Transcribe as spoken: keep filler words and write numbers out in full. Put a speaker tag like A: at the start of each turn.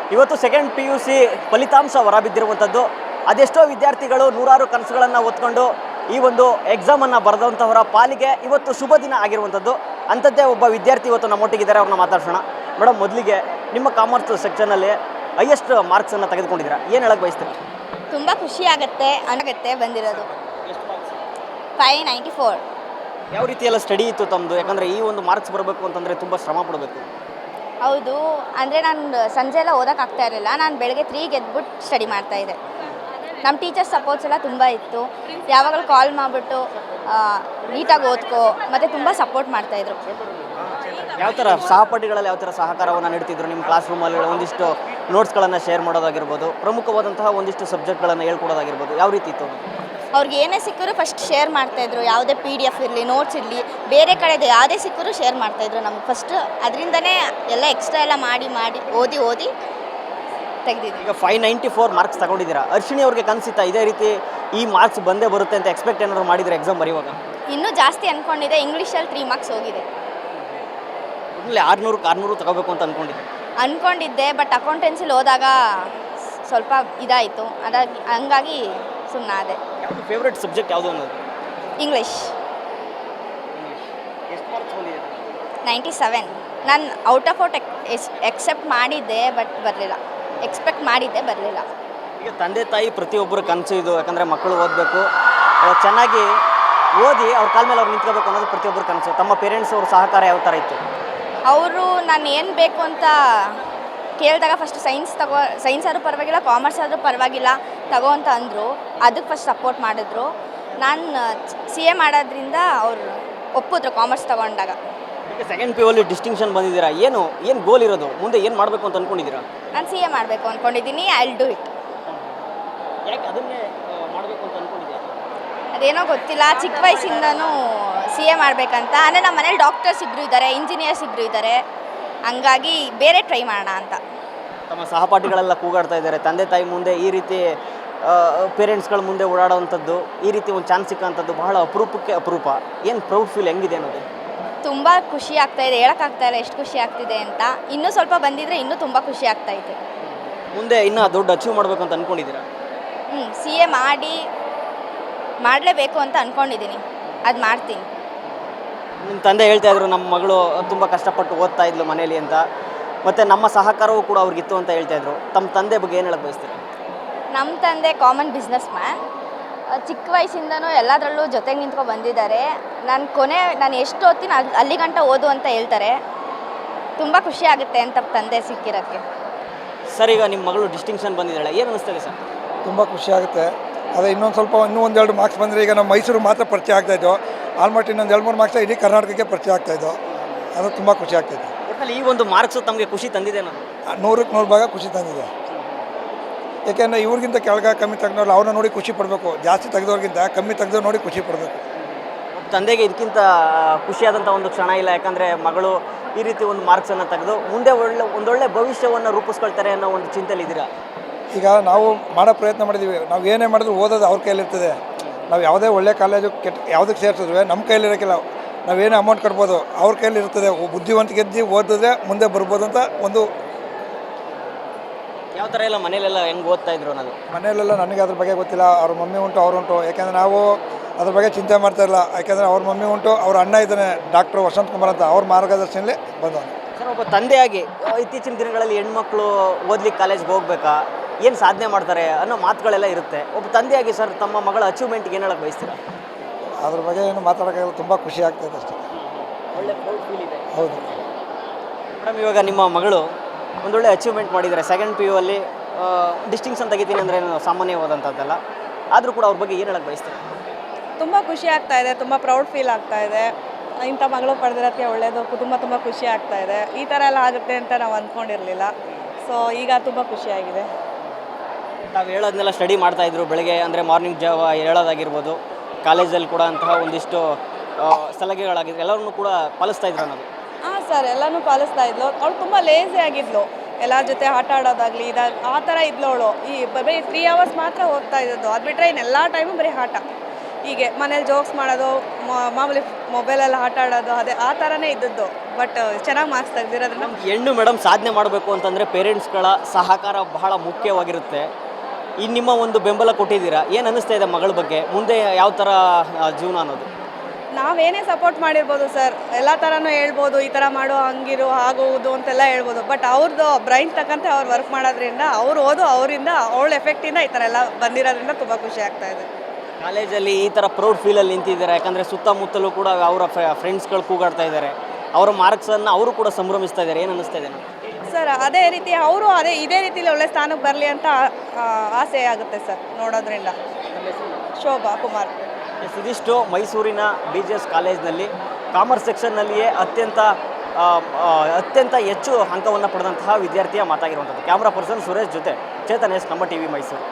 A: ಇವತ್ತು second P U C ಫಲಿತಾಂಶ ಹೊರಬಿದ್ದಿರುವಂಥದ್ದು. ಅದೆಷ್ಟೋ ವಿದ್ಯಾರ್ಥಿಗಳು ನೂರಾರು ಕನಸುಗಳನ್ನು ಹೊತ್ಕೊಂಡು ಈ ಒಂದು ಎಕ್ಸಾಮನ್ನು ಬರೆದಂಥವರ ಪಾಲಿಗೆ ಇವತ್ತು ಶುಭ ದಿನ ಆಗಿರುವಂಥದ್ದು. ಅಂಥದ್ದೇ ಒಬ್ಬ ವಿದ್ಯಾರ್ಥಿ ಇವತ್ತು ನಮ್ಮೊಟ್ಟಿಗಿದ್ದಾರೆ, ಅವ್ರನ್ನ ಮಾತಾಡ್ಸೋಣ. ಮೇಡಮ್, ಮೊದಲಿಗೆ ನಿಮ್ಮ ಕಾಮರ್ಸ್ ಸೆಕ್ಷನಲ್ಲಿ ಹೈಯೆಸ್ಟ್ ಮಾರ್ಕ್ಸನ್ನು ತೆಗೆದುಕೊಂಡಿದ್ದೀರಾ, ಏನು ಹೇಳಕ್ಕೆ ಬಯಸ್ತೀರಾ?
B: ತುಂಬ ಖುಷಿ ಆಗುತ್ತೆ ಅನಾಗತ್ತೆ ಬಂದಿರೋದು. Five ninety four.
A: ಯಾವ ರೀತಿಯೆಲ್ಲ ಸ್ಟಡಿ ಇತ್ತು ತಮ್ಮದು? ಯಾಕಂದರೆ ಈ ಒಂದು ಮಾರ್ಕ್ಸ್ ಬರಬೇಕು ಅಂತಂದರೆ ತುಂಬ ಶ್ರಮ ಪಡಬೇಕು.
B: ಹೌದು, ಅಂದರೆ ನಾನು ಸಂಜೆ ಎಲ್ಲ ಓದೋಕ್ಕಾಗ್ತಾ ಇರಲಿಲ್ಲ. ನಾನು ಬೆಳಗ್ಗೆ ತ್ರೀಗೆ ಎದ್ಬಿಟ್ಟು ಸ್ಟಡಿ ಮಾಡ್ತಾಯಿದ್ದೆ. ನಮ್ಮ ಟೀಚರ್ಸ್ ಸಪೋರ್ಟ್ಸ್ ಎಲ್ಲ ತುಂಬ ಇತ್ತು. ಯಾವಾಗಲೂ ಕಾಲ್ ಮಾಡಿಬಿಟ್ಟು ನೀಟಾಗಿ ಓದ್ಕೋ ಮತ್ತು ತುಂಬ ಸಪೋರ್ಟ್ ಮಾಡ್ತಾಯಿದ್ರು.
A: ಯಾವ ಥರ ಸಹಪಾಠಿಗಳಲ್ಲಿ ಯಾವ ಥರ ಸಹಕಾರವನ್ನು ನೀಡ್ತಿದ್ರು? ನಿಮ್ಮ ಕ್ಲಾಸ್ ರೂಮಲ್ಲಿ ಒಂದಿಷ್ಟು ನೋಟ್ಸ್ಗಳನ್ನು ಶೇರ್ ಮಾಡೋದಾಗಿರ್ಬೋದು, ಪ್ರಮುಖವಾದಂತಹ ಒಂದಿಷ್ಟು ಸಬ್ಜೆಕ್ಟ್ಗಳನ್ನು ಹೇಳ್ಕೊಡೋದಾಗಿರ್ಬೋದು, ಯಾವ ರೀತಿ ಇತ್ತು?
B: ಅವ್ರಿಗೆ ಏನೇ ಸಿಕ್ಕರೂ ಫಸ್ಟ್ ಶೇರ್ ಮಾಡ್ತಾಯಿದ್ರು. ಯಾವುದೇ ಪಿ ಡಿ ಎಫ್ ಇರಲಿ, ನೋಟ್ಸ್ ಇರಲಿ, ಬೇರೆ ಕಡೆದು ಯಾವುದೇ ಸಿಕ್ಕರೂ ಶೇರ್ ಮಾಡ್ತಾಯಿದ್ರು ನಮ್ಗೆ ಫಸ್ಟ್. ಅದರಿಂದನೇ ಎಲ್ಲ ಎಕ್ಸ್ಟ್ರಾ ಎಲ್ಲ ಮಾಡಿ ಮಾಡಿ ಓದಿ ಓದಿ ತೆಗೆದಿದ್ವಿ.
A: ಈಗ ಫೈವ್ ನೈಂಟಿ ಫೋರ್ ಮಾರ್ಕ್ಸ್ ತಗೊಂಡಿದ್ದೀರಾ. ಅರ್ಶಿಣಿ ಅವ್ರಿಗೆ ಕನಸಿತ್ತಾ ಇದೇ ರೀತಿ ಈ ಮಾರ್ಕ್ಸ್ ಬಂದೇ ಬರುತ್ತೆ ಅಂತ ಎಕ್ಸ್ಪೆಕ್ಟ್ ಏನಾದ್ರು ಮಾಡಿದರೆ ಎಕ್ಸಾಮ್ ಬರೆಯುವಾಗ?
B: ಇನ್ನೂ ಜಾಸ್ತಿ ಅಂದ್ಕೊಂಡಿದ್ದೆ. ಇಂಗ್ಲೀಷಲ್ಲಿ ತ್ರೀ ಮಾರ್ಕ್ಸ್ ಹೋಗಿದೆ.
A: ಒಳ್ಳೆ ಆರುನೂರಕ್ಕೆ ಆರುನೂರು ತಗೋಬೇಕು ಅಂತ ಅಂದ್ಕೊಂಡಿದ್ದೆ
B: ಅಂದ್ಕೊಂಡಿದ್ದೆ ಬಟ್ ಅಕೌಂಟೆನ್ಸಿಲಿ ಹೋದಾಗ ಸ್ವಲ್ಪ ಇದಾಯಿತು. ಅದಾಗಿ ಹಂಗಾಗಿ ಸುಮ್ಮನಾದೆ.
A: ಯಾವುದು ಫೇವ್ರೆಟ್ ಸಬ್ಜೆಕ್ಟ್ ಯಾವುದು ಅನ್ನೋದು?
B: ಇಂಗ್ಲೀಷ್.
A: ಎಷ್ಟು ಮಾರ್ಕ್ಸ್ ಬಂದಿದೆ?
B: Ninety seven. ನಾನು out of out as expect ಮಾಡಿದ್ದೆ ಬಟ್ ಬರಲಿಲ್ಲ. ಎಕ್ಸ್ಪೆಕ್ಟ್ ಮಾಡಿದ್ದೆ, ಬರಲಿಲ್ಲ.
A: ಈಗ ತಂದೆ ತಾಯಿ ಪ್ರತಿಯೊಬ್ಬರು ಕನಸು ಇದು. ಯಾಕಂದರೆ ಮಕ್ಕಳು ಓದಬೇಕು, ಚೆನ್ನಾಗಿ ಓದಿ ಅವ್ರ ಕಾಲ ಮೇಲೆ ಅವ್ರು ನಿಂತ್ಕೋಬೇಕು ಅನ್ನೋದು ಪ್ರತಿಯೊಬ್ಬರು ಕನಸು. ತಮ್ಮ ಪೇರೆಂಟ್ಸ್ ಅವ್ರ ಸಹಕಾರ ಯಾವ ಥರ ಇತ್ತು?
B: ಅವರು ನಾನು ಏನು ಬೇಕು ಅಂತ ಕೇಳಿದಾಗ ಫಸ್ಟ್ ಸೈನ್ಸ್ ತಗೋ ಸೈನ್ಸ್ ಆದರೂ ಪರವಾಗಿಲ್ಲ, ಕಾಮರ್ಸ್ ಆದರೂ ಪರವಾಗಿಲ್ಲ ತಗೋ ಅಂತ ಅಂದರು. ಅದಕ್ಕೆ ಫಸ್ಟ್ ಸಪೋರ್ಟ್ ಮಾಡಿದ್ರು. ನಾನು ಸಿ ಎ ಮಾಡೋದ್ರಿಂದ ಅವರು ಒಪ್ಪಿದ್ರು ಕಾಮರ್ಸ್ ತಗೊಂಡಾಗ.
A: ಈಗ ಸೆಕೆಂಡ್ ಪಿ ಯು ಅಲ್ಲಿ ಡಿಸ್ಟಿಂಕ್ಷನ್ ಬಂದಿದ್ದೀರಾ. ಏನು ಏನು ಗೋಲ್ ಇರೋದು? ಮುಂದೆ ಏನು ಮಾಡಬೇಕು ಅಂತ ಅಂದ್ಕೊಂಡಿದ್ದೀರಾ?
B: ನಾನು ಸಿ ಎ ಮಾಡಬೇಕು ಅಂದ್ಕೊಂಡಿದ್ದೀನಿ. I will do it.
A: ಯಾಕೆ ಅದನ್ನೇ ಮಾಡಬೇಕು ಅಂತ ಅಂದ್ಕೊಂಡಿದ್ದೀರಾ?
B: ಅದೇನೋ ಗೊತ್ತಿಲ್ಲ, ಚಿಕ್ಕ ವಯಸ್ಸಿಂದನೂ ಸಿ ಎ ಮಾಡಬೇಕಂತ. ಅಂದರೆ ನಮ್ಮ ಮನೇಲಿ ಡಾಕ್ಟರ್ಸ್ ಇಬ್ಬರು ಇದ್ದಾರೆ, ಇಂಜಿನಿಯರ್ಸ್ ಇಬ್ಬರು ಇದ್ದಾರೆ. ಹಂಗಾಗಿ ಬೇರೆ ಟ್ರೈ ಮಾಡೋಣ ಅಂತ.
A: ತಮ್ಮ ಸಹಪಾಠಿಗಳೆಲ್ಲ ಕೂಗಾಡ್ತಾ ಇದ್ದಾರೆ, ತಂದೆ ತಾಯಿ ಮುಂದೆ ಈ ರೀತಿ ಪೇರೆಂಟ್ಸ್ಗಳ ಮುಂದೆ ಓಡಾಡೋವಂಥದ್ದು, ಈ ರೀತಿ ಒಂದು ಚಾನ್ಸ್ ಸಿಕ್ಕಂಥದ್ದು ಬಹಳ ಅಪರೂಪಕ್ಕೆ ಅಪರೂಪ. ಏನು ಪ್ರೌಡ್ ಫೀಲ್ ಹೆಂಗಿದೆ ಅನ್ನೋದು?
B: ತುಂಬ ಖುಷಿ ಆಗ್ತಾಯಿದೆ. ಹೇಳೋಕ್ಕಾಗ್ತಾ ಇಲ್ಲ ಎಷ್ಟು ಖುಷಿ ಆಗ್ತಿದೆ ಅಂತ. ಇನ್ನೂ ಸ್ವಲ್ಪ ಬಂದಿದ್ದರೆ ಇನ್ನೂ ತುಂಬ ಖುಷಿ ಆಗ್ತಾಯಿದೆ.
A: ಮುಂದೆ ಇನ್ನೂ ದೊಡ್ಡ ಅಚೀವ್ ಮಾಡಬೇಕು ಅಂತ ಅಂದ್ಕೊಂಡಿದ್ದೀರಾ?
B: ಹ್ಞೂ, ಸಿ ಎ ಮಾಡಿ ಮಾಡಲೇಬೇಕು ಅಂತ ಅಂದ್ಕೊಂಡಿದ್ದೀನಿ. ಅದು ಮಾಡ್ತೀನಿ.
A: ನಿಮ್ಮ ತಂದೆ ಹೇಳ್ತಾ ಇದ್ರು ನಮ್ಮ ಮಗಳು ತುಂಬ ಕಷ್ಟಪಟ್ಟು ಓದ್ತಾ ಇದ್ಲು ಮನೇಲಿ ಅಂತ, ಮತ್ತು ನಮ್ಮ ಸಹಕಾರವೂ ಕೂಡ ಅವ್ರಿಗಿತ್ತು ಅಂತ ಹೇಳ್ತಾ ಇದ್ರು. ತಮ್ಮ ತಂದೆ ಬಗ್ಗೆ ಏನು ಹೇಳಕ್ಕೆ ಬಯಸ್ತೀರಾ?
B: ನಮ್ಮ ತಂದೆ ಕಾಮನ್ ಬಿಸ್ನೆಸ್ ಮ್ಯಾನ್. ಚಿಕ್ಕ ವಯಸ್ಸಿಂದನೂ ಎಲ್ಲದರಲ್ಲೂ ಜೊತೆಗೆ ನಿಂತ್ಕೊಂಡು ಬಂದಿದ್ದಾರೆ. ನಾನು ಕೊನೆ ನಾನು ಎಷ್ಟು ಓದ್ತೀನಿ ಅಲ್ಲಿ ಅಲ್ಲಿ ಗಂಟ ಓದು ಅಂತ ಹೇಳ್ತಾರೆ. ತುಂಬ ಖುಷಿ ಆಗುತ್ತೆ ಅಂತ ತಂದೆ ಸಿಕ್ಕಿರೋಕ್ಕೆ.
A: ಸರ್, ಈಗ ನಿಮ್ಮ ಮಗಳು ಡಿಸ್ಟಿಂಕ್ಷನ್ ಬಂದಿದ್ದಾಳೆ, ಏನು ಅನಿಸ್ತದೆ ಸರ್?
C: ತುಂಬ ಖುಷಿ ಆಗುತ್ತೆ. ಅದೇ ಇನ್ನೊಂದು ಸ್ವಲ್ಪ ಇನ್ನೂ ಒಂದೆರಡು ಮಾರ್ಕ್ಸ್ ಬಂದರೆ ಈಗ ನಮ್ಮ ಮೈಸೂರು ಮಾತ್ರ ಪರಿಚಯ ಆಗ್ತಾಯಿದ್ದು. ಆಲ್ಮೋಸ್ಟ್ ಇನ್ನೊಂದು ಎರಡು ಮೂರು ಮಾರ್ಕ್ಸ್ ಇಡೀ ಕರ್ನಾಟಕಕ್ಕೆ ಪರಿಚಯ ಆಗ್ತಾಯಿದ್ದು. ಅದು ತುಂಬ ಖುಷಿ ಆಗ್ತಾಯಿತ್ತು.
A: ಒಟ್ಟಲ್ಲಿ ಈ ಒಂದು ಮಾರ್ಕ್ಸು ತಮಗೆ ಖುಷಿ ತಂದಿದೆ ನಾನು
C: ನೂರಕ್ಕೆ ನೂರು ಭಾಗ ಖುಷಿ ತಂದಿದೆ. ಏಕೆಂದರೆ ಇವ್ರಿಗಿಂತ ಕೆಳಗೆ ಕಮ್ಮಿ ತೆಗೆದವ್ರು ಅವ್ರನ್ನ ನೋಡಿ ಖುಷಿ ಪಡಬೇಕು. ಜಾಸ್ತಿ ತೆಗೆದವ್ರಿಗಿಂತ ಕಮ್ಮಿ ತೆಗೆದವ್ರು ನೋಡಿ ಖುಷಿ ಪಡಬೇಕು.
A: ತಂದೆಗೆ ಇದಕ್ಕಿಂತ ಖುಷಿಯಾದಂಥ ಒಂದು ಕ್ಷಣ ಇಲ್ಲ. ಯಾಕಂದರೆ ಮಗಳು ಈ ರೀತಿ ಒಂದು ಮಾರ್ಕ್ಸನ್ನು ತೆಗೆದು ಮುಂದೆ ಒಳ್ಳೆ ಒಂದೊಳ್ಳೆ ಭವಿಷ್ಯವನ್ನು ರೂಪಿಸ್ಕೊಳ್ತಾರೆ ಅನ್ನೋ ಒಂದು ಚಿಂತೆಯಲ್ಲಿದ್ದೀರಾ?
C: ಈಗ ನಾವು ಮಾಡೋ ಪ್ರಯತ್ನ ಮಾಡಿದ್ದೀವಿ. ನಾವು ಏನೇ ಮಾಡಿದ್ರು ಓದೋದು ಅವ್ರ ಕೈಲಿರ್ತದೆ. ನಾವು ಯಾವುದೇ ಒಳ್ಳೆ ಕಾಲೇಜು ಕೆಟ್ಟ ಯಾವುದಕ್ಕೆ ಸೇರಿಸಿದ್ವಿ ನಮ್ಮ ಕೈಲಿರೋಕ್ಕಿಲ್ಲ. ನಾವೇನೇ ಅಮೌಂಟ್ ಕಟ್ಬೋದು, ಅವ್ರ ಕೈಲಿ ಇರ್ತದೆ. ಬುದ್ಧಿವಂತ ಗೆದ್ದು ಓದಿದ್ರೆ ಮುಂದೆ ಬರ್ಬೋದು ಅಂತ ಒಂದು.
A: ಯಾವ ಥರ ಎಲ್ಲ ಮನೇಲೆಲ್ಲ ಹೆಂಗೆ ಓದ್ತಾ ಇದ್ರು ಅನ್ನೋದು?
C: ಮನೆಯಲ್ಲೆಲ್ಲ ನನಗೆ ಅದ್ರ ಬಗ್ಗೆ ಗೊತ್ತಿಲ್ಲ. ಅವ್ರ ಮಮ್ಮಿ ಉಂಟು, ಅವ್ರು ಉಂಟು. ಯಾಕೆಂದರೆ ನಾವು ಅದ್ರ ಬಗ್ಗೆ ಚಿಂತೆ ಮಾಡ್ತಾಯಿಲ್ಲ. ಯಾಕೆಂದರೆ ಅವ್ರ ಮಮ್ಮಿ ಉಂಟು, ಅವ್ರ ಅಣ್ಣ ಇದ್ದಾನೆ ಡಾಕ್ಟ್ರು ವಸಂತ್ ಕುಮಾರ್ ಅಂತ, ಅವ್ರ ಮಾರ್ಗದರ್ಶನದಲ್ಲಿ ಬಂದವನು.
A: ಸರ್, ಒಬ್ಬ ತಂದೆಯಾಗಿ ಇತ್ತೀಚಿನ ದಿನಗಳಲ್ಲಿ ಹೆಣ್ಮಕ್ಳು ಓದ್ಲಿಕ್ಕೆ ಕಾಲೇಜ್ಗೆ ಹೋಗ್ಬೇಕಾ, ಏನು ಸಾಧನೆ ಮಾಡ್ತಾರೆ ಅನ್ನೋ ಮಾತುಗಳೆಲ್ಲ ಇರುತ್ತೆ. ಒಬ್ಬ ತಂದೆಯಾಗಿ ಸರ್, ತಮ್ಮ ಮಗಳ ಅಚೀವ್ಮೆಂಟ್ಗೆ ಏನು ಹೇಳಕ್ಕೆ ಬಯಸ್ತೀರಾ?
C: ಅದ್ರ ಬಗ್ಗೆ ಏನು ಮಾತಾಡೋಕ್ಕಾಗಲ್ಲ. ತುಂಬ ಖುಷಿ ಆಗ್ತಾಯಿದೆ ಅಷ್ಟೇ.
A: ಒಳ್ಳೆ ಪ್ರೌಡ್ ಫೀಲ್ ಇದೆ.
C: ಹೌದು
A: ಮೇಡಮ್, ಇವಾಗ ನಿಮ್ಮ ಮಗಳು ಒಂದೊಳ್ಳೆ ಅಚೀವ್ಮೆಂಟ್ ಮಾಡಿದ್ದಾರೆ. ಸೆಕೆಂಡ್ ಪಿ ಯು ಅಲ್ಲಿ ಡಿಸ್ಟಿಂಕ್ಷನ್ ತೆಗಿತೀನಿ ಅಂದರೆ ಏನು ಸಾಮಾನ್ಯವಾದಂಥದ್ದಲ್ಲ. ಆದರೂ ಕೂಡ ಅವ್ರ ಬಗ್ಗೆ ಏನು ಹೇಳಕ್ಕೆ ಬಯಸ್ತೀರಾ?
D: ತುಂಬ ಖುಷಿ ಆಗ್ತಾ ಇದೆ. ತುಂಬ ಪ್ರೌಡ್ ಫೀಲ್ ಆಗ್ತಾ ಇದೆ. ಇಂಥ ಮಗಳು ಪಡೆದಿರೋಕ್ಕೆ ಒಳ್ಳೆಯದು. ಕುಟುಂಬ ತುಂಬ ಖುಷಿ ಆಗ್ತಾ ಇದೆ. ಈ ಥರ ಎಲ್ಲ ಆಗುತ್ತೆ ಅಂತ ನಾವು ಅಂದ್ಕೊಂಡಿರಲಿಲ್ಲ. ಸೊ ಈಗ ತುಂಬ ಖುಷಿಯಾಗಿದೆ.
A: ತಾವು ಹೇಳೋದನ್ನೆಲ್ಲ ಸ್ಟಡಿ ಮಾಡ್ತಾಯಿದ್ರು ಬೆಳಗ್ಗೆ, ಅಂದರೆ ಮಾರ್ನಿಂಗ್ ಜಾವ ಹೇಳೋದಾಗಿರ್ಬೋದು, ಕಾಲೇಜಲ್ಲಿ ಕೂಡ ಅಂತಹ ಒಂದಿಷ್ಟು ಸಲಹೆಗಳಾಗಿದ್ರು, ಎಲ್ಲರನ್ನೂ ಕೂಡ ಪಾಲಿಸ್ತಾ ಇದ್ರು ಅನ್ನೋದು?
D: ಹಾಂ ಸರ್, ಎಲ್ಲನೂ ಪಾಲಿಸ್ತಾ ಇದ್ಲು. ಅವಳು ತುಂಬ ಲೇಸಿ ಆಗಿದ್ಲು. ಎಲ್ಲರ ಜೊತೆ ಆಟ ಆಡೋದಾಗಲಿ ಇದಾಗ ಆ ಥರ ಇದ್ಲು ಅವಳು. ಈ ಬರೀ ತ್ರೀ ಅವರ್ಸ್ ಮಾತ್ರ ಓದ್ತಾ ಇದ್ದದ್ದು. ಅದು ಬಿಟ್ಟರೆ ಇನ್ನೆಲ್ಲ ಟೈಮು ಬರೀ ಆಟ. ಹೀಗೆ ಮನೇಲಿ ಜೋಕ್ಸ್ ಮಾಡೋದು, ಮಾಮೂಲಿ ಮೊಬೈಲೆಲ್ಲ ಆಟ ಆಡೋದು, ಅದೇ ಆ ಥರನೇ ಇದ್ದದ್ದು. ಬಟ್ ಚೆನ್ನಾಗಿ ಮಾರ್ಕ್ಸ್ ತೆಗ್ದಿರೋದ್ರಿಂದ
A: ಹೆಣ್ಣು ಮೇಡಮ್ ಸಾಧನೆ ಮಾಡಬೇಕು ಅಂತಂದರೆ ಪೇರೆಂಟ್ಸ್ಗಳ ಸಹಕಾರ ಬಹಳ ಮುಖ್ಯವಾಗಿರುತ್ತೆ. ಈ ನಿಮ್ಮ ಒಂದು ಬೆಂಬಲ ಕೊಟ್ಟಿದ್ದೀರಾ, ಏನು ಅನ್ನಿಸ್ತಾ ಇದೆ ಮಗಳ ಬಗ್ಗೆ, ಮುಂದೆ ಯಾವ ಥರ ಆ, ಜೀವನ ಅನ್ನೋದು?
D: ನಾವೇನೇ ಸಪೋರ್ಟ್ ಮಾಡಿರ್ಬೋದು ಸರ್, ಎಲ್ಲ ಥರನೂ ಹೇಳ್ಬೋದು, ಈ ಥರ ಮಾಡು ಹಂಗಿರು ಆಗೋದು ಅಂತೆಲ್ಲ ಹೇಳ್ಬೋದು. ಬಟ್ ಅವ್ರದ್ದು ಬ್ರೈನ್ ತಕ್ಕಂತೆ ಅವ್ರು ವರ್ಕ್ ಮಾಡೋದ್ರಿಂದ ಅವ್ರು ಓದು ಅವರಿಂದ ಅವಳ ಎಫೆಕ್ಟಿಂದ ಈ ಥರ ಎಲ್ಲ ಬಂದಿರೋದ್ರಿಂದ ತುಂಬ ಖುಷಿ ಆಗ್ತಾ ಇದೆ.
A: ಕಾಲೇಜಲ್ಲಿ ಈ ಥರ ಪ್ರೌಡ್ ಫೀಲಲ್ಲಿ ನಿಂತಿದ್ದಾರೆ, ಯಾಕಂದರೆ ಸುತ್ತಮುತ್ತಲೂ ಕೂಡ ಅವರ ಫ್ರೆಂಡ್ಸ್ಗಳು ಕೂಗಾಡ್ತಾ ಇದ್ದಾರೆ, ಅವರ ಮಾರ್ಕ್ಸನ್ನು ಅವರು ಕೂಡ ಸಂಭ್ರಮಿಸ್ತಾ ಇದ್ದಾರೆ. ಏನು ಅನ್ನಿಸ್ತಾ ಇದೆ ನನಗೆ?
D: ಸರ್ ಅದೇ ರೀತಿ ಅವರು ಅದೇ ಇದೇ ರೀತಿಲಿ ಒಳ್ಳೆ ಸ್ಥಾನಕ್ಕೆ ಬರಲಿ ಅಂತ ಆ, ಆಸೆ ಆಗುತ್ತೆ ಸರ್ ನೋಡೋದ್ರಿಂದ. ಶೋಭಾ ಕುಮಾರ್.
A: ಎಸ್, ಇದಿಷ್ಟು ಮೈಸೂರಿನ ಬಿ ಜಿ ಎಸ್ ಕಾಲೇಜ್ನಲ್ಲಿ ಕಾಮರ್ಸ್ ಸೆಕ್ಷನ್ನಲ್ಲಿಯೇ ಅತ್ಯಂತ ಆ, ಆ, ಅತ್ಯಂತ ಹೆಚ್ಚು ಅಂಕವನ್ನು ಪಡೆದಂತಹ ವಿದ್ಯಾರ್ಥಿಯ ಮಾತಾಗಿರುವಂಥದ್ದು. ಕ್ಯಾಮ್ರಾ ಪರ್ಸನ್ ಸುರೇಶ್ ಜೊತೆ ಚೇತನ್ ಎಸ್, ನಮ್ಮ ಟಿ ವಿ ಮೈಸೂರು.